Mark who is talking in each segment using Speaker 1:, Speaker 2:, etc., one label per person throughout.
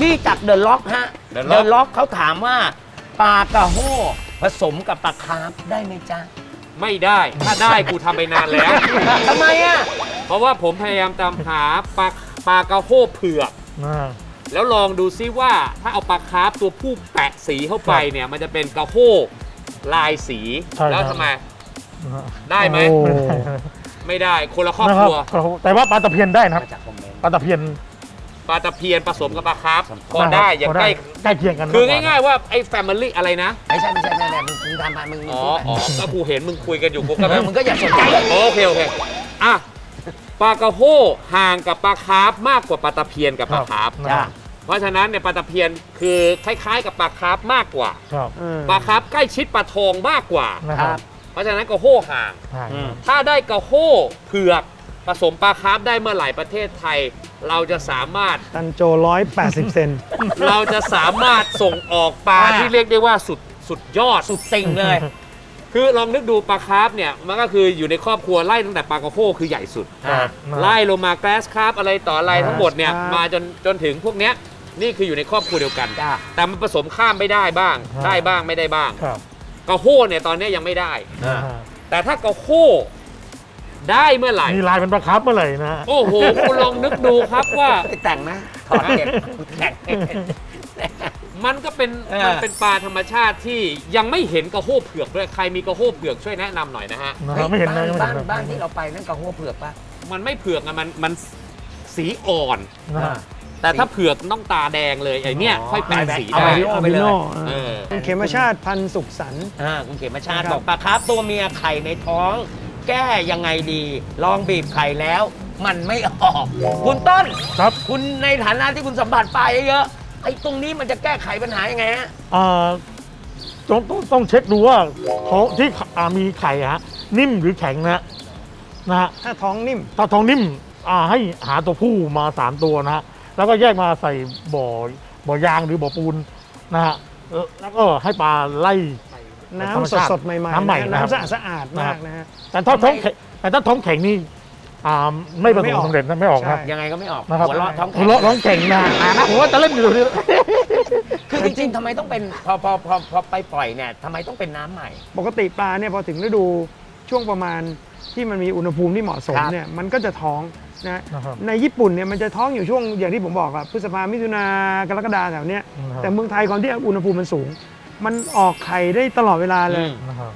Speaker 1: ที่จากเดอะล็อกฮะเดอะล็อกเขาถามว่าปลากระโห้ผสมกับปลาคาร์ฟได้ไหมจ๊ะ
Speaker 2: ไม่ได้ถ้าได้กูทำไปนานแล้ว
Speaker 1: ทำไมอ่ะ
Speaker 2: เพราะว่าผมพยายามตามหาปลากระโห้เผือกแล้วลองดูซิว่าถ้าเอาปลาคาร์ฟตัวผู้แปะสีเข้าไปเนี่ยมันจะเป็นกระโห้ลายสีแล้วทำไมได้ไหมไม่ได้คนละครอบครัว
Speaker 3: แต่ว่าปลาตะเพียนได้นะปลาตะเพียน
Speaker 2: ผสมกับปลาคาร์ฟพอได้อย่างใกล้
Speaker 3: เคียงกัน
Speaker 2: คือง่ายๆว่าไอ้แฟมิลี่อะไรนะ
Speaker 1: ไม่ใช่มึงทำมามึง
Speaker 2: อ๋อก็กูเห็นมึงคุยกันอยู่กูก็
Speaker 1: มึงก็อยากสนใจ
Speaker 2: โอเคอ่ะปลากระโห้ห่างกับปลาคาร์ฟมากกว่าปลาตะเพียนกับปลาคาร์ฟเพราะฉะนั้นเนี่ยปลาตะเพียนคือคล้ายๆกับปลาคาร์ฟมากกว่าปลาคาร์ฟใกล้ชิดปลาทองมากกว่าเพราะฉะนั้นกระโห้ห่างถ้าได้กระโห้เผือกผสมปลาคาร์ฟได้เมื่อไหร่ประเทศไทยเราจะสามารถ
Speaker 4: ตันโจ180 เซน
Speaker 2: เราจะสามารถส่งออกปลาที่เรียกได้ว่าสุดยอด
Speaker 1: สุดติ่งเลย
Speaker 2: คือลองนึกดูปลาคาร์ฟเนี่ยมันก็คืออยู่ในครอบครัวไล่ตั้งแต่ปลากระโห้คือใหญ่สุดไล่ลงมาแกรสคาร์ฟอะไรต่ออะไรทั้งหมดเนี่ยมาจนถึงพวกเนี้ยนี่คืออยู่ในครอบครัวเดียวกันแต่มันผสมข้ามไม่ได้บ้างได้บ้างไม่ได้บ้างกระโห้เนี่ยตอนนี้ยังไม่ได้แต่ถ้ากระโห้ได้เมื่อไหร่
Speaker 3: มีลายเป็นปลาคาร์ฟเมื่อไหร่นะ
Speaker 2: โอ้โหคุณลองนึกดูครับว่า
Speaker 1: แต่งนะถอดเก็บแต่ง
Speaker 2: มันก็เป็นปลาธรรมชาติที่ยังไม่เห็นกระโห้เผือกด้วยใครมีกระโห้เผือกช่วยแนะนำหน่อยนะฮะ
Speaker 3: ไม่เห็น
Speaker 1: บ้านที่เราไปนั่นกระโห้เผือกป่ะ
Speaker 2: มันไม่เผือกอะมันสีอ่อนแต่ถ้าเผือกต้องตาแดงเลยไอ้นี่ค่อยแปลสีได้
Speaker 4: เอาไปเลยคุณเขมชาติพันสุขสันต์
Speaker 1: คุณเขมชาติบอกปลาคาร์ฟตัวเมียไข่ในท้องแก้ยังไงดีลองบีบไข่แล้วมันไม่ออกคุณต้น
Speaker 3: ครับ
Speaker 1: คุณในฐานะที่คุณสัมผัสปลาเยอะไอ้ตรงนี้มันจะแก้ไขปัญหายังไงฮะ
Speaker 3: ต้องเช็คดูว่าท้องที่มีไข่ฮะนิ่มหรือแข็งนะฮะ
Speaker 4: ถ้าท้องนิ่
Speaker 3: มให้หาตัวผู้มา3ตัวนะฮะแล้วก็แยกมาใส่บ่อยางหรือบ่อปูนนะฮะแล้วก็ให้ปลาไล่
Speaker 4: น้ำสดๆใหม่ๆ
Speaker 3: น้ำใหม่
Speaker 4: น้ำสะอาดมากนะฮะ
Speaker 3: แต่ถ้าท้องแข็งนี่ไม่ประสบความสำเร็จนะไม่ออกครับ
Speaker 1: ยังไงก็ไม่ออก
Speaker 3: หัวเราะท้องแข็งนะผมว่าจะเล่นอยู่นี่
Speaker 1: คือจริงๆทำไมต้องเป็นพอไปปล่อยเนี่ยทำไมต้องเป็นน้ำใหม่
Speaker 4: ปกติปลาเนี่ยพอถึงฤดูช่วงประมาณที่มันมีอุณหภูมิที่เหมาะสมเนี่ยมันก็จะท้องนะในญี่ปุ่นเนี่ยมันจะท้องอยู่ช่วงอย่างที่ผมบอกอะพฤษภามิถุนากรกฎาแถวเนี้ยแต่เมืองไทยความที่อุณหภูมิมันสูงมันออกไข่ได้ตลอดเวลาเลย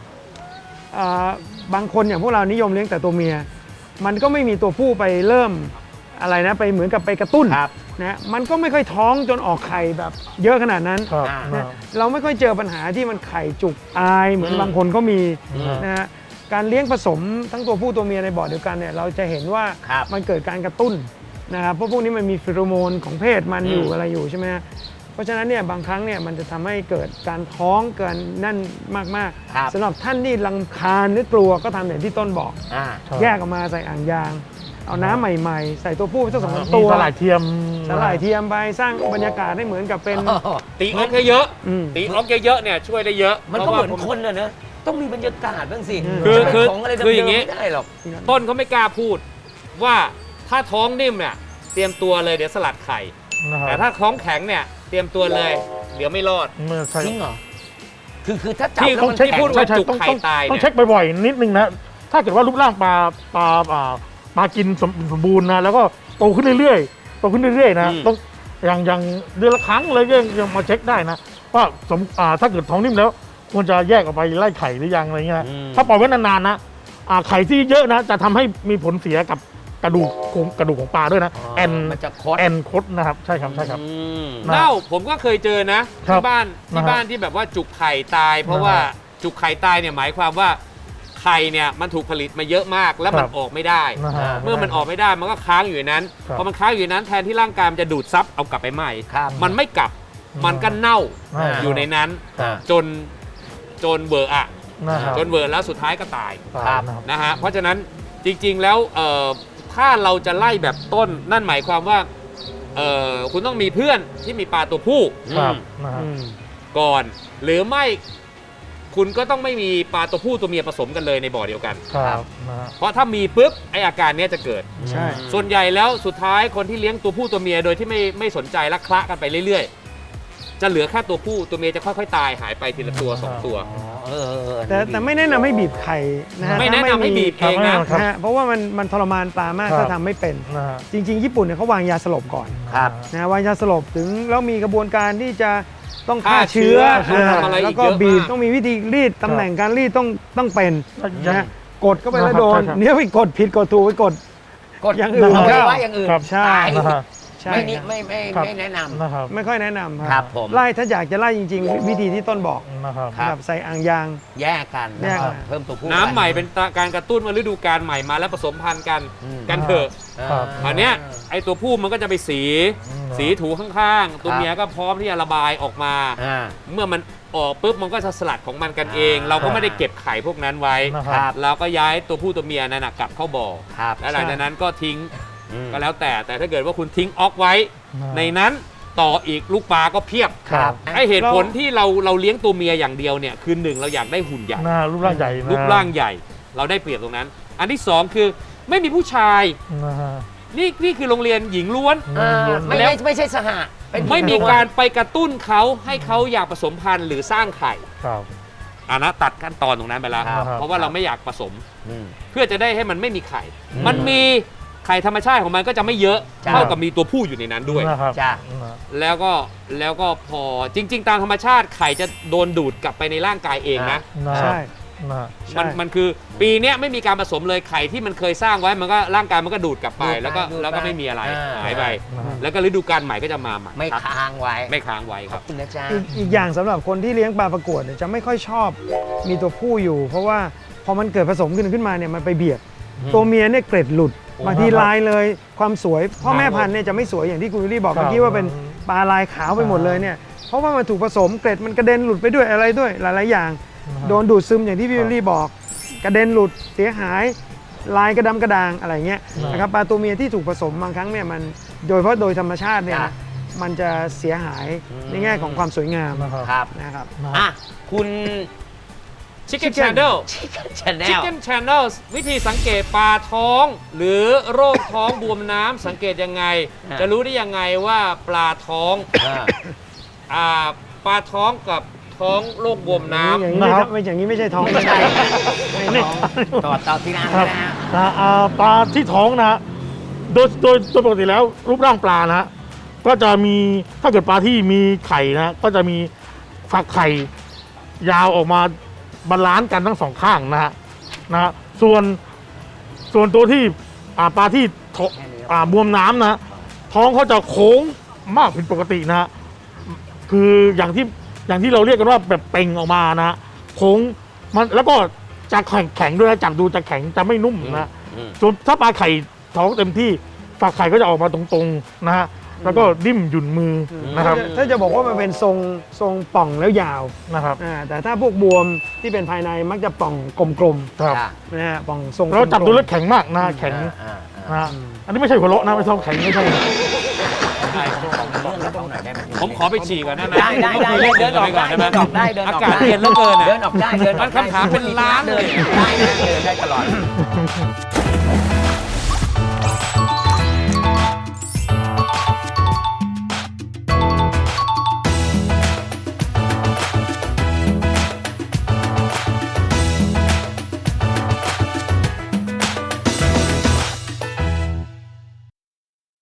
Speaker 4: บางคนอย่างพวกเรานิยมเลี้ยงแต่ตัวเมียมันก็ไม่มีตัวผู้ไปเริ่มอะไรนะไปเหมือนกับไปกระตุ้นนะมันก็ไม่ค่อยท้องจนออกไข่แบบเยอะขนาดนั้นนะเราไม่ค่อยเจอปัญหาที่มันไข่จุกอายเหมือนบางคนก็มีนะฮะการเลี้ยงผสมทั้งตัวผู้ตัวเมียในบ่อเดียวกันเนี่ยเราจะเห็นว่ามันเกิดการกระตุ้นนะครับเพราะพวกนี้มันมีฟีโรโมนของเพศมันอยู่อะไรอยู่ใช่ไหมเพราะฉะนั้นเนี่ยบางครั้งเนี่ยมันจะทำให้เกิดการท้องเกินนั่นมากๆสำหรับท่านที่รำคาญหรือกลัวก็ทำอย่างที่ต้นบอกแยกออกมาใส่อ่างยางเอาน้ำใหม่ๆใส่ตัวผู้สัก2 ตัว
Speaker 3: สลายเทีย
Speaker 4: มไปสร้างบรรยากาศให้เหมือนกับเป็น
Speaker 2: ตีออกเยอะตีออกเยอะเนี่ยช่วยได้เยอะ
Speaker 1: มันก็เหมือนคนน่ะนะต้องมีบรรยากาศบ้างสิ
Speaker 2: คืออย่างนี้
Speaker 1: ไม่ได้หรอก
Speaker 2: ต้นเขาไม่กล้าพูดว่าถ้าท้องนิ่มเนี่ยเตรียมตัวเลยเดี๋ยวสลัดไข่แต่ถ้าท้องแข็งเนี่ยเตรียมตัวเลยเดี๋ยวไม่รอด
Speaker 1: จริงเหรอคือถ้าจับแล้ว
Speaker 3: มันแข็งพูดว่าจุกไข่ตายต้องเช็คบ่อยๆนิดนึงนะถ้าเกิดว่ารูปร่างปลากินสมบูรณ์นะแล้วก็โตขึ้นเรื่อยๆนะต้องอย่างเดือนละครั้งเลยยังมาเช็คได้นะว่าถ้าเกิดท้องนิ่มแล้วควรจะแยกออกไปไล่ไข่หรือยังอะไรเงี้ยถ้าปล่อยไว้นานๆนะไข่ที่เยอะนะจะทำให้มีผลเสียกับกระดูกของปลาด้วยนะ
Speaker 1: มันจะ
Speaker 3: คดนะครับใช่ครับ
Speaker 2: เน่าผมก็เคยเจอนะที่บ้านที่แบบว่าจุกไข่ตายเพราะว่าจุกไข่ตายเนี่ยหมายความว่าไข่เนี่ยมันถูกผลิตมาเยอะมากแล้วมันออกไม่ได้เมื่อมันออกไม่ได้มันก็ค้างอยู่ในนั้นพอมันค้างอยู่ในนั้นแทนที่ร่างกายมันจะดูดซับเอากลับไปใหม่มันไม่กลับมันก็เน่าอยู่ในนั้นจนเบอร์แล้วสุดท้ายก็ตายนะฮะเพราะฉะนั้นจริงๆแล้วถ้าเราจะไล่แบบต้นนั่นหมายความว่าคุณต้องมีเพื่อนที่มีปลาตัวผู้ก่อนหรือไม่คุณก็ต้องไม่มีปลาตัวผู้ตัวเมียผสมกันเลยในบ่อเดียวกัน
Speaker 3: ครับนะฮะ
Speaker 2: เพราะถ้ามีปุ๊บไออาการเนี้ยจะเกิด
Speaker 4: ใช่
Speaker 2: ส่วนใหญ่แล้วสุดท้ายคนที่เลี้ยงตัวผู้ตัวเมียโดยที่ไม่สนใจและคละกันไปเรื่อยๆ จะเหลือแค่ตัวผู้ตัวเมียจะค่อยๆตายหายไปทีละตัวสองตัว
Speaker 4: แต่ไม่แนะนำให้บีบไข่นะฮะ
Speaker 2: ไม่แนะนำให้บีบเองนะ
Speaker 3: ครับ
Speaker 4: นะฮะเพราะว่ามันทรมานปลามาก
Speaker 3: ครับ
Speaker 4: ถ้าทำไม่เป็น
Speaker 3: นะฮะ
Speaker 4: จริง ๆ ญี่ปุ่นเนี่ยเขาวางยาสลบก่อน
Speaker 1: ครับ
Speaker 4: นะวางยาสลบถึงแล้วมีกระบวนการที่จะต้องฆ่าเชื้อ
Speaker 2: ต้องทำอะไรอีก
Speaker 4: แล้วก็
Speaker 2: เยอะมาก
Speaker 4: บีบต้องมีวิธีรีดตำแหน่งการรีดต้องเป็นนะฮะกดเข้าไปแล้วโดน
Speaker 3: ใช่ครับ
Speaker 4: เนี่ยไปกดผิดกดถูกไปกด
Speaker 1: กด
Speaker 4: อย่างอื่น
Speaker 1: เอาไว้
Speaker 4: ครับ
Speaker 1: ว่าอย่างอื่น
Speaker 3: ครับ
Speaker 4: ใช่
Speaker 1: ตาย
Speaker 3: นะฮะ
Speaker 4: ใช่
Speaker 1: ไม่นิ
Speaker 4: ครับ
Speaker 1: ไม่แนะนำ
Speaker 3: นะครับ
Speaker 4: ไม่ค่อยแนะนำ
Speaker 1: ครับผม
Speaker 4: ไล่ถ้าอยากจะไล่จริง ๆ วิธีที่ต้นบอก
Speaker 3: นะครับ
Speaker 1: ครับ
Speaker 4: ใส่อ่างยาง
Speaker 1: แยกกัน
Speaker 4: แยกกัน
Speaker 1: เพิ่มตัวผู้
Speaker 2: น้ำใหม่เป็นการกระตุ้นมาฤดูกาลใหม่มาแล้วผสมพันธุ์กัน
Speaker 1: อืม
Speaker 2: กันเถอะ
Speaker 3: ครับ
Speaker 2: อันเนี้ยไอตัวผู้มันก็จะไปสีถูข้างๆ ตัว
Speaker 1: ครับ
Speaker 2: เมียก็พร้อมที่จะระบายออกมา
Speaker 1: อ่า
Speaker 2: เมื่อมันออกปุ๊บมันก็จะสลัดของมันกันเอง
Speaker 1: อ่า
Speaker 2: เราก็ไม่ได้เก็บไข่พวกนั้นไว้
Speaker 3: นะครับ
Speaker 2: เราก็ย้ายตัวผู้ตัวเมียนั่นนะกลับเข้าบ่อ
Speaker 1: ครับ
Speaker 2: แล้วหลังจากนั้นก็ทิ้ง
Speaker 1: อืม
Speaker 2: ก็แล้วแต่ถ้าเกิดว่าคุณทิ้งออกไว้ ในนั้นต่ออีกลูกปลาก็เพียบ
Speaker 1: ครับ
Speaker 2: ไอเหตุผลที่เราเลี้ยงตัวเมียอย่างเดียวเนี่ยคือหนึ่งเราอยากได้หุ่นใหญ่
Speaker 3: หน้ารูปร่างใหญ่นะ
Speaker 2: รูปร่างใหญ่ เราได้เปรียบตรงนั้น อันที่สองคือไม่มีผู้ชาย
Speaker 3: นะฮะ
Speaker 2: นี่คือโรงเรียนหญิงล้วน
Speaker 1: อ่า
Speaker 3: ล้วน
Speaker 1: ไม่ใช่สหะเป็น
Speaker 2: ไม่มีการไปกระตุ้นเขาให้เขาอยากผสมพันธุ์หรือสร้างไข่
Speaker 3: ครับ
Speaker 2: อันนั้นตัดขั้นตอนตรงนั้นไปแล้ว
Speaker 3: ครับ
Speaker 2: เพราะว่าเราไม่อยากผสม
Speaker 1: อืม
Speaker 2: เพื่อจะได้ให้มันไม่มีไข่
Speaker 1: อืม
Speaker 2: มันมีไข่ธรรมชาติของมันก็จะไม่เยอะ
Speaker 1: จ้ะ
Speaker 2: เท่ากับมีตัวผู้อยู่ในนั้นด้วย
Speaker 3: นะครับ
Speaker 1: จ้ะ
Speaker 3: นะ
Speaker 2: แล้วก็พอจริง ๆ ตามธรรมชาติไข่จะโดนดูดกลับไปในร่างกายเองนะ
Speaker 3: นะ
Speaker 4: ใช่
Speaker 3: นะ
Speaker 4: ใช่
Speaker 2: มันคือปีเนี้ยไม่มีการผสมเลยไข่ที่มันเคยสร้างไว้มันก็ร่างกายมันก็ดูดกลับไป
Speaker 1: ดูดไป
Speaker 2: แล้วก็
Speaker 1: ดูดไป
Speaker 2: แล้วก็ไม่มีอะไร
Speaker 1: อ่า
Speaker 2: หายไป
Speaker 3: นะฮะ
Speaker 2: แล้วก็ฤดูกาลใหม่ก็จะมาใหม่
Speaker 1: ไม่
Speaker 2: ครับ
Speaker 1: ค้างไว้
Speaker 2: ไม่ค้างไว้ครับ
Speaker 1: คุณนะจ๊ะ
Speaker 4: อีกอย่างสำหรับคนที่เลี้ยงปลาประกวดเนี่ยจะไม่ค่อยชอบมีตัวผู้อยู่ เพราะว่าพอมันเกิดผสมขึ้นมาเนี่ยมันไปเบียด ตัวเมียเนี่ยเกร็ดหลุดบางทีลายเลยความสวยพ่อแม่พันธุ์เนี่ยจะไม่สวยอย่างที่คุณวิลลี่บอก
Speaker 3: ครับ
Speaker 4: เมื่อกี้ว่าเป็นปลาลายขาวไปหมดเลยเนี่ยเพราะว่ามันถูกผสมเกร็ดมันกระเด็นหลุดไปด้วยอะไรด้วยหลายๆอย่าง โดนดูดซึมอย่างที่พี่วิลลี่บอก กระเด็นหลุดเสียหายลายกระดำกระดางอะไรเงี้ยนะครับปลาตัวเมียที่ถูกผสมบางครั้งเนี่ยมันโดยเฉพาะโดยธรรมชาติเนี่ย
Speaker 1: จ้ะ
Speaker 4: มันจะเสียหายในแง่ของความสวยงาม
Speaker 3: นะครับ
Speaker 1: ครับ
Speaker 4: นะครับ
Speaker 1: อ่ะคุณ
Speaker 2: Chicken Channel
Speaker 1: Channel
Speaker 2: Chicken Channel วิธีสังเกตปลาท้อง หรือโรคท้องบวมน้ำสังเกตยังไง
Speaker 1: อ่า
Speaker 2: จะรู้ได้ยังไงว่าปลาท้อง
Speaker 1: อ่า
Speaker 2: ปลาท้องกับท้องโรคบวมน้ำ
Speaker 4: อย่างนี้
Speaker 3: นะครับ
Speaker 4: ไม่อย่างนี้ไม่ใช่ท้อง
Speaker 1: ไม่ใช่
Speaker 4: ไม่ท้อง
Speaker 1: ต่อที่ร้าน
Speaker 3: ครับ
Speaker 1: นะฮะ
Speaker 3: นะปลาที่ท้องนะฮะโดยปกติแล้วรูปร่างปลานะฮะก็จะมีถ้าเกิดปลาที่มีไข่นะก็จะมีฝักไข่ยาวออกมาบาลานซ์กันทั้งสองข้างนะฮะส่วนตัวที่ปลาที่บวมน้ำนะท้องเขาจะโค้งมากผิดปกตินะฮะคืออย่างที่เราเรียกกันว่าแบบเป่งออกมานะฮะโค้งมันแล้วก็จะแข็งด้วยนะจับดูจะแข็งจะไม่นุ่มนะ
Speaker 1: อืม
Speaker 3: ส่วนถ้าปลาไข่ท้องเต็มที่ฝักไข่ก็จะออกมาตรงๆนะฮะแล้วก็ดิ้มหยุ่นมือนะครับ
Speaker 4: ถ้าจะบอกว่ามันเป็นทรงป่องแล้วยาว
Speaker 3: นะครับ
Speaker 4: แต่ถ้าพวกบวมที่เป็นภายในมักจะป่องกลม
Speaker 3: ครับ
Speaker 1: จ้ะ
Speaker 4: ๆนะฮะป่องทรง
Speaker 3: เราจับ
Speaker 4: กลมๆ
Speaker 3: ดูแล้วแข็งมากนะแข็ง
Speaker 1: อ่า
Speaker 3: นะฮะอันนี้ไม่ใช่หัวเราะนะไม่ใช่แข็งไม่ใช่
Speaker 2: ผมขอไปฉี่ก่อนได้ไหม
Speaker 1: ได้เดินออกได้
Speaker 2: ไหม
Speaker 1: เดินออกได้เดินอ
Speaker 2: อา
Speaker 1: อก
Speaker 2: กาศ
Speaker 1: ได้
Speaker 2: เย็นเหลือเกินอะ
Speaker 1: เดินออกได้เดินออกได้
Speaker 2: มันคำถามเป็นล้านเลย
Speaker 1: ได้นะเดินได้ตลอด